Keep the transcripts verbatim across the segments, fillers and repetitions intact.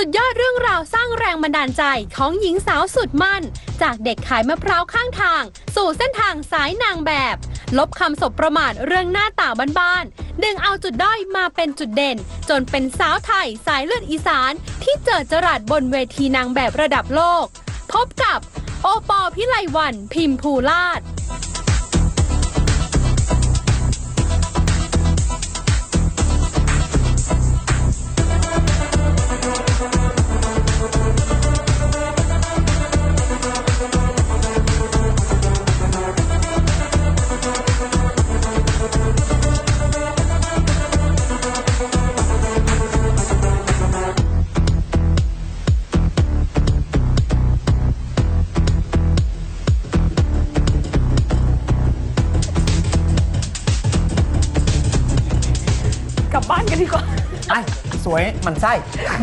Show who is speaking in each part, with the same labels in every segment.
Speaker 1: ดยอดเรื่องราวสร้างแรงบันดาลใจของหญิงสาวสุดมั่นจากเด็กขายมะพร้าวข้างทางสู่เส้นทางสายนางแบบลบคำสบประมาทเรื่องหน้าตาบ้านๆดึงเอาจุดด้อยมาเป็นจุดเด่นจนเป็นสาวไทยสายเลือดอีสานที่เจิดจรัสบนเวทีนางแบบระดับโลกพบกับโอปอล์ พิไลวรรณ พิมพูลาภ
Speaker 2: กลับบ้านกันดีกว่า
Speaker 3: ไอ้สวยมันไส้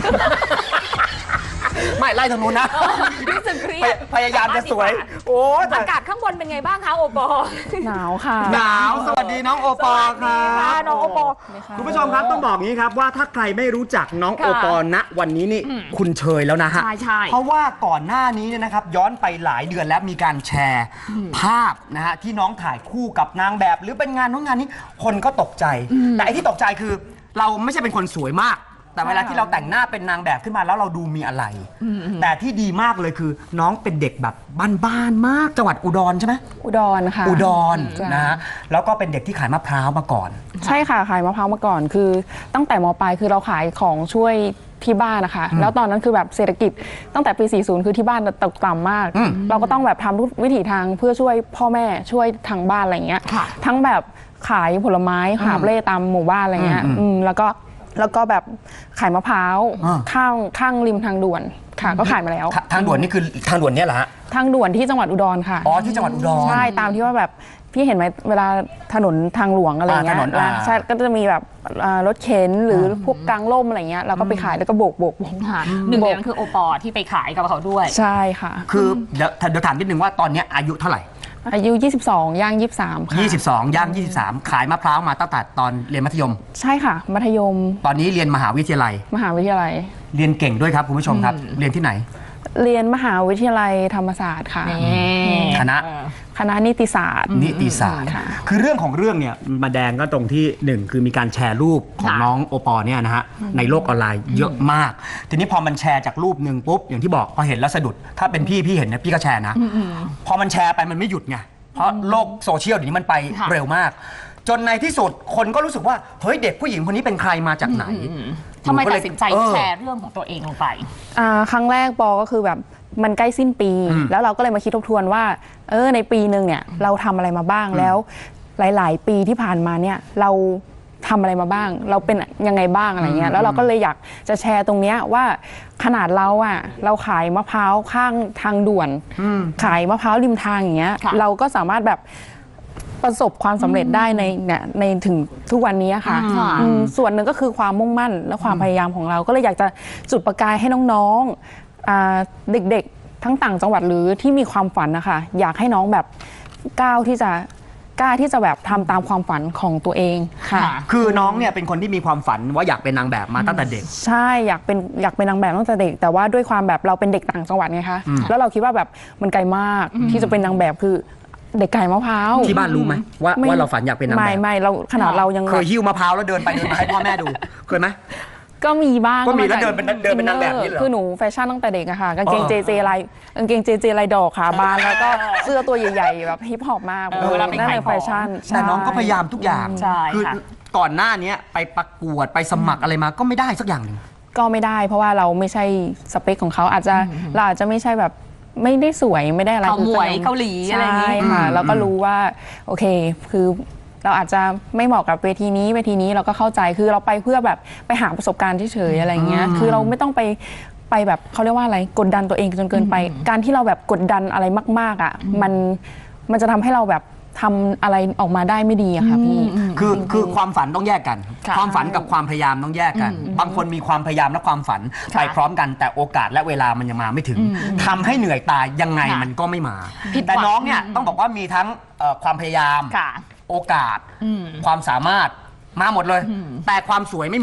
Speaker 3: ไม่ไล่ทางนู้นนะ
Speaker 2: รู้สึกเครียด
Speaker 3: พยายามจะสวยโอ้แต่
Speaker 2: อากาศข้างบนเป็นไงบ้างคะโอปอหนาวค่ะ
Speaker 3: หนาวสวัสดีน้องโอปอล์ครั
Speaker 2: ค่ะ
Speaker 3: บ
Speaker 2: น้องโอปอ
Speaker 3: คุณผู้ชมครับต้องบอกงี้ครับว่าถ้าใครไม่รู้จักน้องโอปอล์ณวันนี้นี่คุณเชยแล้วนะฮะ
Speaker 2: ใช่ใช่
Speaker 3: เพราะว่าก่อนหน้านี้เนี่ยนะครับย้อนไปหลายเดือนแล้วมีการแชร์ภาพนะฮะที่น้องถ่ายคู่กับนางแบบหรือเป็นงานนู้นงานนี้คนก็ตกใจแต่ไอ้ที่ตกใจคือเราไม่ใช่เป็นคนสวยมากแต่เวลาที่เราแต่งหน้าเป็นนางแบบขึ้นมาแล้วเราดูมีอะไรแต่ที่ดีมากเลยคือน้องเป็นเด็กแบบบ้านๆมากจังหวัดอุดรใช่ไหม
Speaker 4: อุดรค่ะ
Speaker 3: อุดรนะฮะแล้วก็เป็นเด็กที่ขายมะพร้าวมาก่อน
Speaker 4: ใช่ค่ะขายมะพร้าวมาก่อนคือตั้งแต่มปลายคือเราขายของช่วยที่บ้านนะคะแล้วตอนนั้นคือแบบเศรษฐกิจตั้งแต่ปี สี่สิบ คือที่บ้านตกต่ำมากเราก็ต้องแบบทำทุกวิถีทางเพื่อช่วยพ่อแม่ช่วยทางบ้านอะไรเงี้ยทั้งแบบขายผลไม้หาบเล่ตามหมู่บ้านอะไรเงี้ยแล้วก็แล้วก็แบบขายมะพร้าวข้างข้างริมทางด่วนค่ะก็ขายมาแล้ว
Speaker 3: ทางด่วนนี่คือทางด่วนเนี่ยเหรอฮะ
Speaker 4: ทางด่วนที่จังหวัดอุดรค่ะ
Speaker 3: อ๋อที่จังหวัดอุดร
Speaker 4: ใช่ตามที่ว่าแบบพี่เห็นไหมเวลาถนนทางหลวงอะไรเงี้ยใช่ก็จะมีแบบรถเข็นหรือพวกกางร่มอะไรเงี้ยเราก็ไปขายแล้วก็โบกโบก
Speaker 2: หนึ่งในนั้นคือโอปอที่ไปขายกับเขาด้วย
Speaker 4: ใช่ค่ะ
Speaker 3: คือเดี๋ยวเดี๋ยวถามนิดนึงว่าตอนนี้อายุเท่าไหร่
Speaker 4: อายุยี่สิบสองย่างยี่สิบสามค่ะ
Speaker 3: ยี่สิบสองย่างยี่สิบสามขายมะพร้าวมาตั้งแต่ตอนเรียนมัธยม
Speaker 4: ใช่ค่ะมัธยม
Speaker 3: ตอนนี้เรียนมหาวิทยาลัย
Speaker 4: มหาวิทยาลัย
Speaker 3: เรียนเก่งด้วยครับคุณผู้ชมครับเรียนที่ไหน
Speaker 4: เรียนมหาวิทยาลัยธรรมศาสตร์ค่ะ
Speaker 3: คณะ
Speaker 4: คณะนิติศาสตร์
Speaker 3: นิติศาสตร์คือเรื่องของเรื่องเนี่ยมาแดงก็ตรงที่หนึ่งคือมีการแชร์รูปของน้องโอปอเนี่ยนะฮะในโลกออนไลน์เยอะมากทีนี้พอมันแชร์จากรูปหนึ่งปุ๊บอย่างที่บอกพอเห็นแล้วสะดุดถ้าเป็นพี่พี่เห็นนะพี่ก็แชร์นะพอมันแชร์ไปมันไม่หยุดไงเพราะโลกโซเชียลเดี๋ยวนี้มันไปเร็วมากจนในที่สุดคนก็รู้สึกว่าเฮ้ยเด็กผู้หญิงคนนี้เป็นใครมาจากไหน
Speaker 2: ทำไมตัดสินใจแชร์เรื่องของตัวเองลงไป
Speaker 4: ครั้งแรกปอก็คือแบบมันใกล้สิ้นปีแล้วเราก็เลยมาคิดทบทวนว่าเออในปีหนึ่งเนี่ยเราทำอะไรมาบ้างแล้วหลายๆปีที่ผ่านมาเนี่ยเราทำอะไรมาบ้างเราเป็นยังไงบ้างอะไรเงี้ยแล้วเราก็เลยอยากจะแชร์ตรงเนี้ยว่าขนาดเราอ่ะเราขายมะพร้าวข้างทางด่วนขายมะพร้าวริมทางอย่างเงี้ยเราก็สามารถแบบประสบความสำเร็จได้ในเนี่ยในถึงทุกวันนี้ค่ะส่วนหนึ่งก็คือความมุ่งมั่นและความพยายามของเราก็เลยอยากจะจุดประกายให้น้องๆเด็กๆทั้งต่างจังหวัดหรือที่มีความฝันนะคะอยากให้น้องแบบก้าวที่จะกล้าที่จะแบบทำตามความฝันของตัวเองค่ะ
Speaker 3: คือน้องเนี่ยเป็นคนที่มีความฝันว่าอยากเป็นนางแบบมาตั้งแต่เด็ก
Speaker 4: ใช่อยากเป็นอยากเป็นนางแบบตั้งแต่เด็กแต่ว่าด้วยความแบบเราเป็นเด็กต่างจังหวัดไงคะแล้วเราคิดว่าแบบมันไกลมากที่จะเป็นนางแบบคือเด็กไก่มะพร้าว
Speaker 3: ที่บ้านรู้ไหมว่าว่าเราฝันอยากเป็นนางแบบ
Speaker 4: ไม่ไม่เราขนาดเรายัง
Speaker 3: เคยหิ้วมะพร้าวแล้วเดินไปเดินมาให้พ่อแม่ดูเคยไหม
Speaker 4: ก็มีบ้าง
Speaker 3: ก็มีแล้วเดินเป็นเดินเป็นนางแบบนี่เหรอ
Speaker 4: คือหนูแฟชั่นตั้งแต่เด็กอะค่ะกางเกงเจเจลายกางเกงเจเจลายดอกขาบานแล้วก็เสื้อตัวใหญ่ๆแบบฮิปฮอปมากนั่นเลยแฟชั่น
Speaker 3: แต่น้องก็พยายามทุกอย่างคือก่อนหน้านี้ไปประกวดไปสมัครอะไรมาก็ไม่ได้สักอย่างหนึ่ง
Speaker 4: ก็ไม่ได้เพราะว่าเราไม่ใช่สเปคของเขาอาจจะเราอาจจะไม่ใช่แบบไม่ได้สวยไม่ได้อะไร
Speaker 2: คือมวยเกาหลีอะไรอย่างนี้
Speaker 4: ค่ะแล้วก็รู้ว่าโอเคคือเราอาจจะไม่เหมาะกับเวทีนี้เวทีนี้เราก็เข้าใจคือเราไปเพื่อแบบไปหาประสบการณ์เฉยๆอะไรเงี้ยคือเราไม่ต้องไปไปแบบเขาเรียกว่าอะไรกดดันตัวเองจนเกินไปการที่เราแบบกดดันอะไรมากๆอ่ะมันมันจะทำให้เราแบบทำอะไรออกมาได้ไม่ดีอะค่ะพี่
Speaker 3: คือคือความฝันต้องแยกกันความฝันกับความพยายามต้องแยกกันบางคนมีความพยายามและความฝันไปพร้อมกันแต่โอกาสและเวลามันยังมาไม่ถึงทำให้เหนื่อยตายยังไงมันก็ไม่มาแต่น้องเนี่ยต้องบอกว่ามีทั้งความพยายามโอกาสความสามารถมาหมดเลยแต่ความสวยไม่มี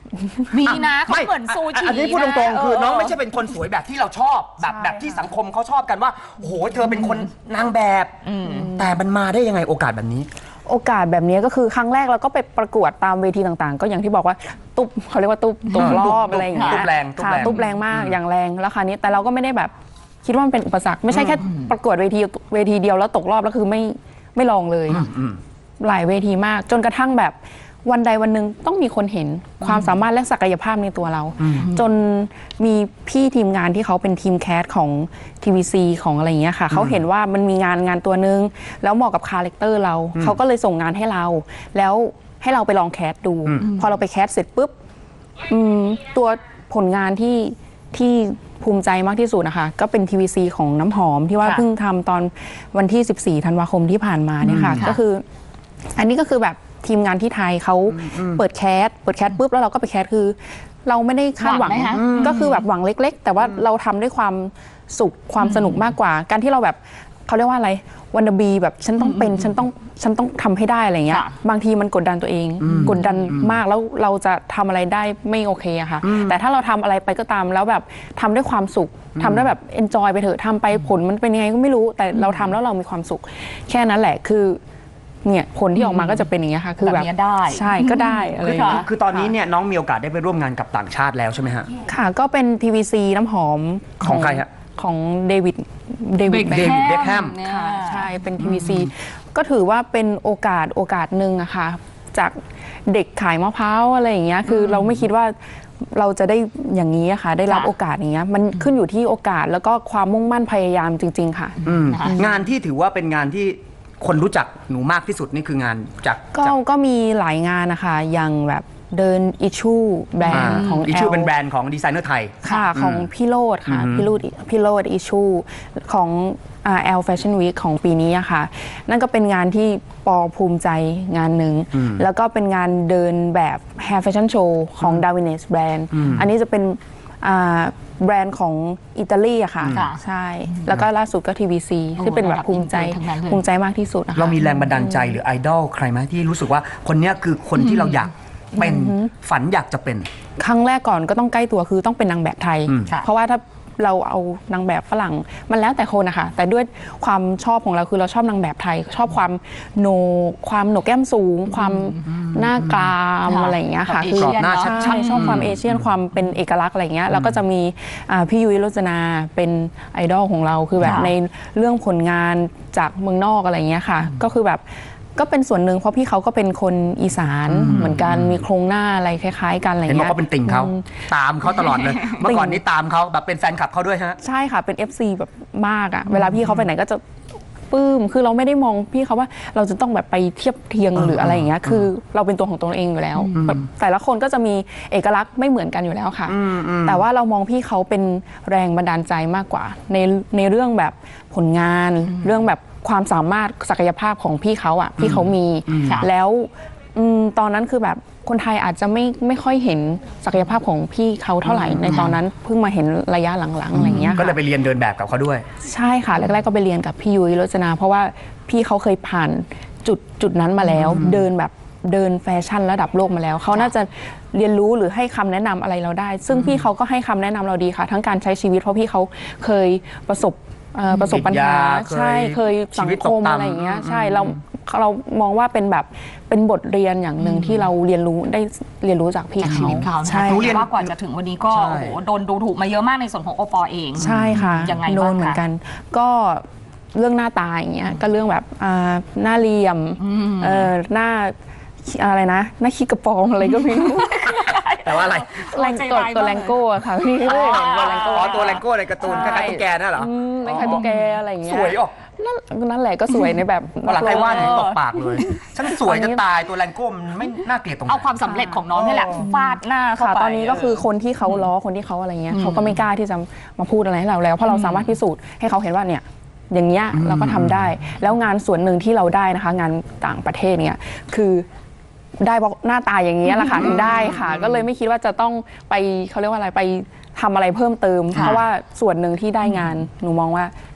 Speaker 2: มีนะเขา
Speaker 3: ไม่
Speaker 2: เหมือนซูชิ
Speaker 3: อันนี้พูดตรงๆ คือ
Speaker 2: เ
Speaker 3: น้องไม่ใช่เป็นคนสวยแบบที่เราชอบ แบบ
Speaker 4: ใช่
Speaker 3: แบบที่สังคมเขาชอบกันว่าโอ้โหเธอเป็นคนนางแบบ แต่มันมาได้ยังไงโอกาสแบบนี้
Speaker 4: โอกาสแบบนี้ก็คือครั้งแรกเราก็ไปประกวดตามเวทีต่างๆ ก็อย่างที่บอกว่าตุ๊บเขาเรียกว่าตุ๊บตกรอบ
Speaker 3: ตุ๊บ
Speaker 4: อะไรอย่างเงี้ย
Speaker 3: ตุ๊บแรงตุ๊บ
Speaker 4: ค่ะ
Speaker 3: แรง
Speaker 4: ตุ๊บแรงมากอย่างแรงแล้วคราวนี้แต่เราก็ไม่ได้แบบคิดว่ามันเป็นอุปสรรคไม่ใช่แค่ประกวดเวทีเวทีเดียวแล้วตกรอบแล้วคือไม่ไม่ลองเลย
Speaker 3: อืม
Speaker 4: หลายเวทีมากจนกระทั่งแบบวันใดวันหนึ่งต้องมีคนเห็นความสามารถและศักยภาพในตัวเรา จนมีพี่ทีมงานที่เขาเป็นทีมแคสของ ที วี ซี ของอะไรอย่างเงี้ยค่ะเขาเห็นว่ามันมีงานงานตัวนึง แล้วเหมาะกับคาแรคเตอร์เรา เขาก็เลยส่งงานให้เรา แล้วให้เราไปลองแคสดู พอเราไปแคสเสร็จปุ๊บอืมตัวผลงานที่ที่ภูมิใจมากที่สุดนะคะก็เป็น ที วี ซี ของน้ำหอมที่ว่า
Speaker 2: ค่ะ
Speaker 4: เพิ่งทำตอนวันที่ สิบสี่ ธันวาคมที่ผ่านมาเนี่ยค่ะ
Speaker 2: ค่ะ
Speaker 4: ก็คือ อันนี้ก็คือแบบทีมงานที่ไทยเขาเปิดแคสเปิดแคสปุ๊บแล้วเราก็ไปแคสคือ เราไม่ได้คาดหวัง
Speaker 2: หวังไหมคะ
Speaker 4: ก็คือแบบหวังเล็ก ๆ แต่ว่าเราทำด้วยความสุขความสนุกมากกว่า การที่เราแบบเขาเรียกว่าอะไรวันดบีแบบฉันต้องเป็นฉันต้องฉันต้องทำให้ได้อะไรเงี้ย
Speaker 2: ค่ะ
Speaker 4: บางทีมันกดดันตัวเอง กดดันมากแล้วเราจะทำอะไรได้ไม่โอเคอะค่ะ แต่ถ้าเราทำอะไรไปก็ตามแล้วแบบทำด้วยความสุขทำด้วยแบบเอนจอยไปเถอะทำไปผลมันเป็นยังไงก็ไม่รู้ แต่เราทำแล้วเรามีความสุข แค่นั้นแหละคือเนี่ยผลที่ออกมาก็จะเป็นอย่างเงี้ยค่ะ คือแบบ
Speaker 2: แบบเนี้ยได้
Speaker 4: ใช่ก็ได้อะไรอย่าง
Speaker 3: คือ
Speaker 4: เงี้ย
Speaker 3: คือตอนนี้เนี่ยน้องมีโอกาสได้ไปร่วมงานกับต่างชาติแล้วใช่ไหมฮะ
Speaker 4: ค่ะก็เป็น ที วี ซี น้ำหอม
Speaker 3: ของใครฮะ
Speaker 4: ของเดวิดเดวิด
Speaker 3: เดวิดเบคแฮม
Speaker 2: เนี่ย
Speaker 4: ค่ะใช่เป็น ที วี ซี ก็ถือว่าเป็นโอกาสโอกาสหนึ่งอะค่ะจากเด็กขายมะพร้าวอะไรอย่างเงี้ยคือเราไม่คิดว่าเราจะได้อย่างนี้อะค่ะได้รับ
Speaker 2: ค่ะ
Speaker 4: โอกาสอย่างเงี้ยมันขึ้นอยู่ที่โอกาสแล้วก็ความมุ่งมั่นพยายามจริง ๆ ค่ะ
Speaker 3: อืม
Speaker 2: นะคะ
Speaker 3: งานที่ถือว่าเป็นงานที่คนรู้จักหนูมากที่สุดนี่คืองานจาก
Speaker 4: ก็
Speaker 3: จาก
Speaker 4: ก็มีหลายงานนะคะอย่างแบบเดินอิชูแบรนด์ของ
Speaker 3: อิชู
Speaker 4: แอล
Speaker 3: เป็นแบรนด์ของดีไซเนอร์ไทย
Speaker 4: ค่ะของพี่โรดค่ะ
Speaker 3: อืม
Speaker 4: พี่โรดพี่โรดอิชูของแอลแฟชั่นวีคของปีนี้อะค่ะ นั่นก็เป็นงานที่ปอภูมิใจงานหนึ่ง แล้วก็เป็นงานเดินแบบ Hair Fashion Show ของ d a r w i n e s Brand อันนี้จะเป็นอ่าแบรนด์ของอิตาลีอะค่ะ
Speaker 2: ค่ะ
Speaker 4: ใช่ แล้วก็ล่าสุดก็ ที วี ซี ที่เป็นแบบภูมิใจ
Speaker 2: ทั้งนั้นเลย
Speaker 4: ภูมิใจมากที่สุดนะคะ
Speaker 3: เรามีแรงบันดาลใจหรือไอดอลใครไหมที่รู้สึกว่าคนเนี้ยคือคนที่เราอยากเป็นฝันอยากจะเป็น
Speaker 4: ครั้งแรกก่อนก็ต้องใกล้ตัวคือต้องเป็นนางแบบไทย
Speaker 3: อืม
Speaker 2: ค่ะ
Speaker 4: เพราะว่าถ้าเราเอานางแบบฝรั่งมันแล้วแต่คนนะคะแต่ด้วยความชอบของเราคือเราชอบนางแบบไทย ชอบความโหนกความโหนกแก้มสูง ความหน้ากราม
Speaker 2: ค่ะ
Speaker 4: อะไรอย่างเงี้ยค่ะ
Speaker 2: แบบ
Speaker 4: คื
Speaker 2: เอเชียน
Speaker 3: หน้า
Speaker 2: เนอะ
Speaker 3: ชัด
Speaker 4: ใช่ชอบความเอเชียนความเป็นเอกลักษณ์อะไรอย่างเงี้ยแล้วก็จะมีอ่าพี่ยุ้ยรจนาเป็นไอดอลของเราคือแบบ
Speaker 2: ค่ะ
Speaker 4: ในเรื่องผลงานจากเมืองนอกอะไรอย่างเงี้ยค่ะ ก็คือแบบก็เป็นส่วนหนึ่งเพราะพี่เขาก็เป็นคนอีสานเหมือนกันมีโครงหน้าอะไรคล้าย ๆ กันอะไรอ
Speaker 3: เห็น
Speaker 4: ย่าง
Speaker 3: บอก
Speaker 4: เงี้ย
Speaker 3: ว่าเป็นติ่งเขาตามเขาตลอดเลย เมื่อก่อนนี้ตามเขาแบบเป็นแฟนคลับเขาด้วยฮะ
Speaker 4: ใช่ค่ะ เป็น เอฟ ซี แบบมากอะเวลาพี่เขาไปไหนก็จะปลื้ม คือเราไม่ได้มองพี่เขาว่าเราจะต้องแบบไปเทียบเทียงหรืออะไรอย่างเงี้ย คือเราเป็นตัวของตัวเองอยู่แล้วแบบแต่ละคนก็จะมีเอกลักษณ์ไม่เหมือนกันอยู่แล้วค่ะ แต่ว่าเรามองพี่เขาเป็นแรงบันดาลใจมากกว่า ในในเรื่องแบบผลงาน เรื่องแบบความสามารถศักยภาพของพี่เขาอะพี่เขามี
Speaker 2: ค่ะ
Speaker 4: แล้วอืมตอนนั้นคือแบบคนไทยอาจจะไม่ไม่ค่อยเห็นศักยภาพของพี่เขาเท่าไหร่ในตอนนั้นเพิ่งมาเห็นระยะหลังๆอะไรอย่างเงี้ย
Speaker 3: ก็เลย
Speaker 4: ค่ะ
Speaker 3: ไปเรียนเดินแบบกับเขาด้วย
Speaker 4: ใช่ค่ะแรกๆก็ไปเรียนกับพี่ยุ้ยรจนา เพราะว่าพี่เขาเคยผ่านจุดจุดนั้นมาแล้ว เดินแบบเดินแฟชั่นระดับโลกมาแล้ว เขาน่าจะเรียนรู้หรือให้คำแนะนำอะไรเราได้ ซึ่งพี่เขาก็ให้คำแนะนำเราดีค่ะ ทั้งการใช้ชีวิตเพราะพี่เขาเคยประสบเอ่อประสบปัญหา
Speaker 3: ติดยา
Speaker 4: ใช่เคยสังคมอะไรอย่างเงี้ยใช่เราเรามองว่าเป็นแบบเป็นบทเรียนอย่างหนึ่งที่เราเรียนรู้ได้เรียนรู้จากพี่
Speaker 2: จากชี
Speaker 4: เขา
Speaker 2: วิตเขานะ
Speaker 4: ใช่
Speaker 2: คะ
Speaker 3: หนูเรียน
Speaker 2: ว่ากว่าจะถึงวันนี้ก็
Speaker 3: ใช่
Speaker 2: โอ้โหโดนดูถูกมาเยอะมากในส่วนของโอปอเอง
Speaker 4: ใช่ค่ะ
Speaker 2: ยังไง
Speaker 4: โด
Speaker 2: บ้าง
Speaker 4: นเหมือน
Speaker 2: คะ
Speaker 4: กัน ก็เรื่องหน้าตาอย่างเงี้ยก็เรื่องแบบอ่าหน้าเหลี่ยมเออหน้าอะไรนะหน้าขี้กระปองอะไรก็ไม่รู้
Speaker 3: แต่ว่าอะไร
Speaker 4: แรงกดตัวแรงโก้อะค่ะพี่ก็เลยเห็นตัวแรงโก้
Speaker 3: อ๋อตัวแรงโก้ในการ์ตูนคล้ายๆตุ๊กแกนั่นเหรอ
Speaker 4: อืมไม่ใช่ตุ๊กแกอะไรอย่างเงี้
Speaker 3: ส
Speaker 4: ย
Speaker 3: วยออก
Speaker 4: นั่นนั่นแหละก็สวยในแบบ
Speaker 3: วันหลังใครว่าถึง
Speaker 4: นัก
Speaker 3: ต
Speaker 4: ร้
Speaker 3: ก
Speaker 4: อง
Speaker 3: ปากเลย ฉันสวยจะตายตัวแรงโก้มันไม่น่าเกลียดตรงไหน
Speaker 2: เอาความสำเร็จของน้องนี่แหละฟาดหน้าเข้า
Speaker 4: ค่ะ
Speaker 2: ไป
Speaker 4: ตอนนี้ก็คือคนที่เขาล้อคนที่เขาอะไรเงี้ยเขาก็ไม่กล้าที่จะมาพูดอะไรให้เราแล้วเพราะเราสามารถพิสูจน์ให้เขาเห็นว่าเนี่ยอย่างเงี้ยเราก็ทำได้ แล้วงานส่วนหนึ่งที่เราได้นะคะ งานต่างประเทศเนี่ยคือได้เพราะหน้าตาอย่างเงี้ยแหละค่ะถึงได้ค่ะ ก็เลยไม่คิดว่าจะต้องไปเขาเรียกว่าอะไรไปทำอะไรเพิ่มเติม เพราะว่าส่วนหนึ่งที่ได้งานหนูมองว่า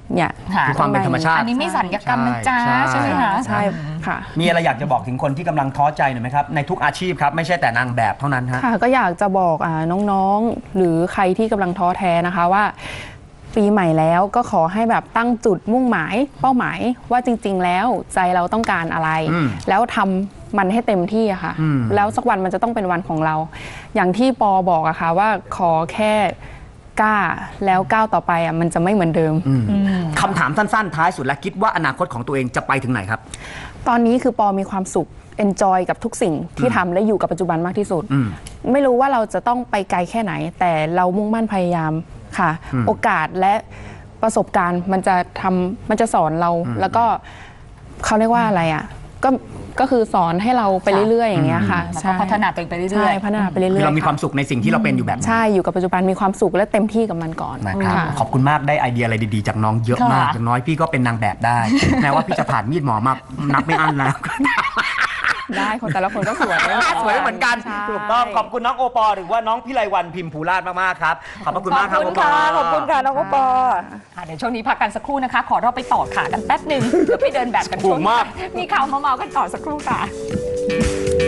Speaker 4: เนี่ย
Speaker 2: ค่ะ
Speaker 3: คือความเป็นธรรมชาติ
Speaker 2: อันนี้ไม่สัญญกรรมนะจ๊ะ
Speaker 3: ใช่
Speaker 2: ใช่ไหมคะ
Speaker 4: ใช่ค่ะ
Speaker 3: มีอะไรอยากจะบอกถึงคนที่กำลังท้อใจหน่อยไหมครับในทุกอาชีพครับไม่ใช่แต่นางแบบเท่านั้นฮะ
Speaker 4: ค่ะก็อยากจะบอกอ่าน้องๆ หรือใครที่กำลังท้อแท้นะคะว่า ปีใหม่แล้วก็ขอให้แบบตั้งจุดมุ่งหมายเป้าหมายว่าจริงๆแล้วใจเราต้องการอะไร
Speaker 3: อืม
Speaker 4: แล้วทำมันให้เต็มที่อะค่ะ
Speaker 3: อืม
Speaker 4: แล้วสักวันมันจะต้องเป็นวันของเรา อย่างที่ปอบอกอะค่ะว่าขอแค่กล้าแล้วก้าวต่อไปอะมันจะไม่เหมือนเดิม
Speaker 3: คำถามสั้นๆท้ายสุดและคิดว่าอนาคตของตัวเองจะไปถึงไหนครับ
Speaker 4: ตอนนี้คือปอมีความสุข enjoy กับทุกสิ่งที่ทำและอยู่กับปัจจุบันมากที่สุด
Speaker 3: อืม
Speaker 4: ไม่รู้ว่าเราจะต้องไปไกลแค่ไหน แต่เรามุ่งมั่นพยายามค่ะ
Speaker 3: อืม
Speaker 4: โอกาสและประสบการณ์มันจะทำมันจะสอนเรา แล้วก็เขาเรียกว่าอะไรอ่ะก็ก็คือสอนให้เราไปเรื่อยๆอย่างเงี้ยค่ะ
Speaker 2: แล้วก็พัฒนาตัวเองไปเรื่อยๆ
Speaker 4: ใช่พัฒนาไปเรื่อยๆ
Speaker 3: คือเรามีความ
Speaker 4: ะ
Speaker 3: สุขในสิ่งที่เราเป็นอยู่แบบนี้
Speaker 4: ใช่อยู่กับปัจจุบันมีความสุขและเต็มที่กับมันก่อน
Speaker 3: นะครับ
Speaker 4: ค่ะ
Speaker 3: ขอบคุณมากได้ไอเดียอะไรดีๆจากน้องเยอะมาก
Speaker 2: ค่ะ
Speaker 3: อย่างน้อยพี่ก็เป็นนางแบบได้ แม้ว่าพี่จะผ่านมีดหมอมานับไม่อั้นแล้ว
Speaker 4: ได้คนแต่ละคนก็สวย
Speaker 3: สวยเหมือนกัน
Speaker 4: ใช่
Speaker 3: ถูกต้องขอบคุณน้องโอปอหรือว่าน้องพิไลวันพิมพูราชมากๆครับขอบพระคุณมากครับ
Speaker 2: ขอบคุณ
Speaker 3: โอปอ
Speaker 2: ค่ะขอบคุณค่ะน้องโอปอ
Speaker 4: ค่ะ
Speaker 2: ค่ะเดี๋ยวช่วงนี้พักกันสักครู่นะคะ ขอเราไปต่อขากันแป๊บหนึ่งเดี๋ยวไปเดินแบบกันช่วง
Speaker 3: ถูกมาก
Speaker 2: มีข่าวมาเมากันต่อสักครู่ค่ะ